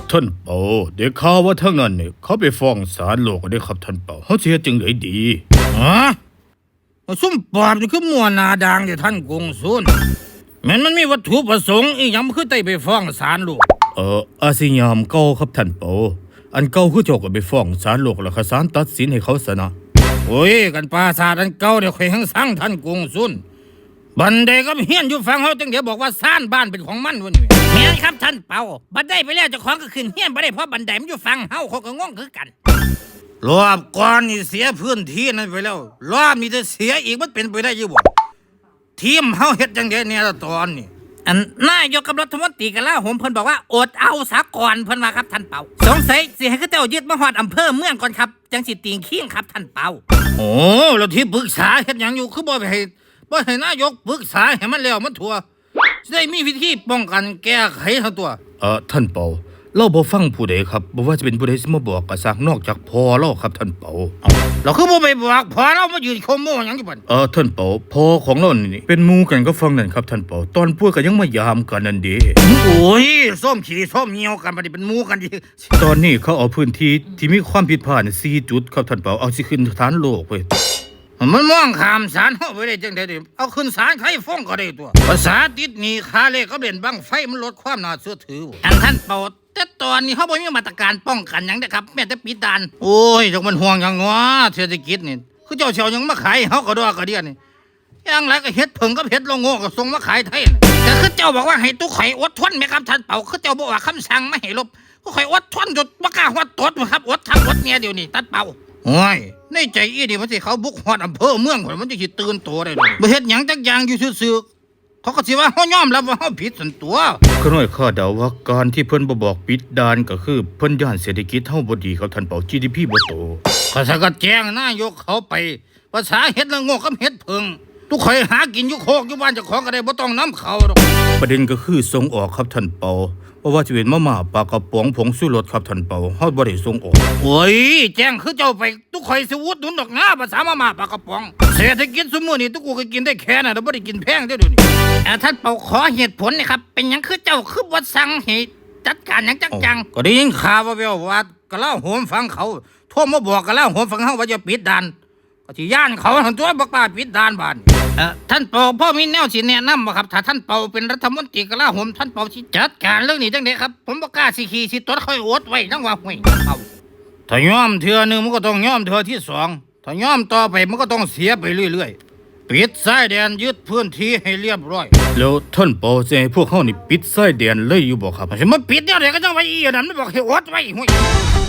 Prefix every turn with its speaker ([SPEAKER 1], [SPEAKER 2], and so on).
[SPEAKER 1] ท่านเปาได้ข่าวว่าทั้งนั้นเนี่ยเขาไปฟ้องศาลโลกได้ครับท่านเปาเขาเสียจึงเลยดี
[SPEAKER 2] ฮะซุ่มปอบนี่คือมัวนาดางเดี๋ยวท่านกงสุนมันมีวัตถุประสงค์อีกยังคือไต่ไปฟ้องศาลโลก
[SPEAKER 1] อาสิยามเก่าครับท่านเปาอันเก่าคือเจ้าก็ไปฟ้องศาลโลกแล้วศาลตัดสินให้เขาซะนะ
[SPEAKER 2] โอ้ยกันปราสาทอันเก่าเดี๋ยวเคยหังสั่งท่านกงสุนบันไดก็เฮียนอยู่ฟังเขาจังเดี๋ยวบอกว่าซ่านบ้านเป็นของมันวันนี้
[SPEAKER 3] แม่นครับท่านเปาบันไดไปแล้วเจ้าของก็ขึ้นเฮียนบ่ได้เพราะบันไดมันอยู่ฟังเฮาเขาก็งงคือกัน
[SPEAKER 2] รอบก่อนนี่เสียพื้นที่นั้นไปแล้วรอบนี้จะเสียอีกมันเป็นไปได้ยังบ่ทีมเฮาเฮ็ดจังได๋เนี่ยตอนนี้
[SPEAKER 3] อันนายกกับรัฐมนตรีกะลาโหมเพิ่นบอกว่าอดเอาซะก่อนเพิ่นว่าครับท่านเปาสงสัยสิให้เขาเจ้ายึดมาฮอดอำเภอเมืองก่อนครับจังสิติงขิงครับท่านเปา
[SPEAKER 2] โอ้แล้วที่ปรึกษาเฮ็ดหยังอยู่คือบ่ให้นายกปรึกษาให้มันแล้วมันทั่วสิได้มีวิธีป้องกันแก้ไขทั้งตัว
[SPEAKER 1] ท่านเปาเราบ่ฟังผู้ใดครับบ่ว่าจะเป็นผู้ใดสิมาบอกก็ซักนอกจากพ่อเราครับท่านเปา
[SPEAKER 2] เราคือบ่ไปบอกพ่อเรามายืนโคโม่หยังอยู่บัด
[SPEAKER 1] ท่านเปาพ่อของเรานี่เป็นหมู่กันกับฟังนั่นครับท่านเปาตอนพวกก็ยังมายามกันนั่นเด้
[SPEAKER 2] โอ้ยส้มขี้ส้มเหี่ยวกันบัดนี้เป็นหมู่กันดิ
[SPEAKER 1] ตอนนี้เขาเอาพื้นที่ที่มีความผิดพลาด4จุดครับท่านเปาเอาสิขึ้นฐานโลกเว้ย
[SPEAKER 2] มันมองข้ามศาลเฮาไปได้จังได๋ดิเอาขึ้นศาลใครฟ้องก็ได้ตัวภาษาติดหนี้ค่าเลขก็เล่นบังไฟมันลดความน่าเชื่อถือ
[SPEAKER 3] อันท่านเปาแต่ตอนนี้เฮาบ่มีมาตรการป้องกันหยังเด้อครับแม้แต่ปิดด่าน
[SPEAKER 2] โอ้ยจักมันห่วงหยังวะเศรษฐกิจนี่คือเจ้าเสียวหยังมาขายเฮาก็ดอกก็เดียนี่อย่างไรก็เฮ็ดเพิ่งกับเฮ็ดโลโง่ก็ส่งมาขายไทย
[SPEAKER 3] แต่คือเจ้าบอกว่าให้ตู้ข่อยอดทนแม่ครับท่านเปาคือเจ้าบอกว่าคำสั่งไม่ให้ลบก็ข่อยอดทนจนบ่กล้าฮอดตดครับอดทั้งอดเนี่ยเดี๋ยวนี้ท่านเปา
[SPEAKER 2] โอ้ยในใจอีนี่มันสิเขาบุกฮอดอำเภอเมืองพุ่นมันจะสิตื่นตัวได้ดอกบ่เฮ็ดหยังจักอย่างอยู่ซื่อๆเขาก็สิว่าเฮายอมรับว่าเฮาผิดซั่นตัว
[SPEAKER 1] ก็น้อยข้าเดาว่าการที่เพิ่นบ่บอกปิดด่านก็คือเพิ่นย่านเศรษฐกิจเฮาบ่ดีครับท่านเปา GDP บ่โต
[SPEAKER 2] ก็ซะก็แจ้งนายกเขาไปภาษาเฮ็ดละโง่กับเฮ็ดเพิ่งทุกข่อยหากินอยู่โคกอยู่บ้านเจ้าของก็ได้บ่ต้องนำเขาดอก
[SPEAKER 1] ประเด็นก็คือส่งออกครับท่านเปาเพราะว่าจะเป็นมาม่าปลากระป๋องผงชูรสครับท่านเปาเฮาบ่ได้ส่งออก
[SPEAKER 2] โอ้ยแจ้งคือเจ้าไปทุกข่อยสิอุดหนุนดอกนะภาษามาม่าปลากระป๋องเศรษฐกิจซุมื้อนี้ทุกกูก็กินได้แค่น่ะบ่ได้กินแพงเด้อเดี๋ยวนี้
[SPEAKER 3] ท่านเปาขอเหตุผลนะครับเป็นหยังคือเจ้าคือบ่สั่งให้จัดการหยังจัง
[SPEAKER 2] ก็ได้ยินข่าวว่าแววว่ากะลาโหมฟังเขาโทรมาบอกกะลาโหมฟังเฮาว่าจะปิดด่านก็สิย่านเขาทั้งตัวบ่กล้าปิดด่านบ้านท่านเปาพ่อมีแนวสิแนะนำบ่ครับถ้าท่านเปาเป็นรัฐมนตรีกะลาโหมท่านเปาสิจัดการเรื่องนี้จังได๋ครับผมบ่กล้าสิขี่สิตดค่อยอดไว้จังว่าห้วยเปาถ้ายอมเทื่อนึงมันก็ต้องยอมเทื่อที่2ถ้ายอมต่อไปมันก็ต้องเสียไปเรื่อยๆปิดชายแดนยึดพื้นที่ให้เรียบร้อย
[SPEAKER 1] แล้วท่านเปาจะให้พวกเฮานี่ปิดชายแดนเลยอยู่บ่ครับ
[SPEAKER 2] สิมาปิดแนวใดก็จังไว้อีนั่นมันบอกให้อดไว้ห้วย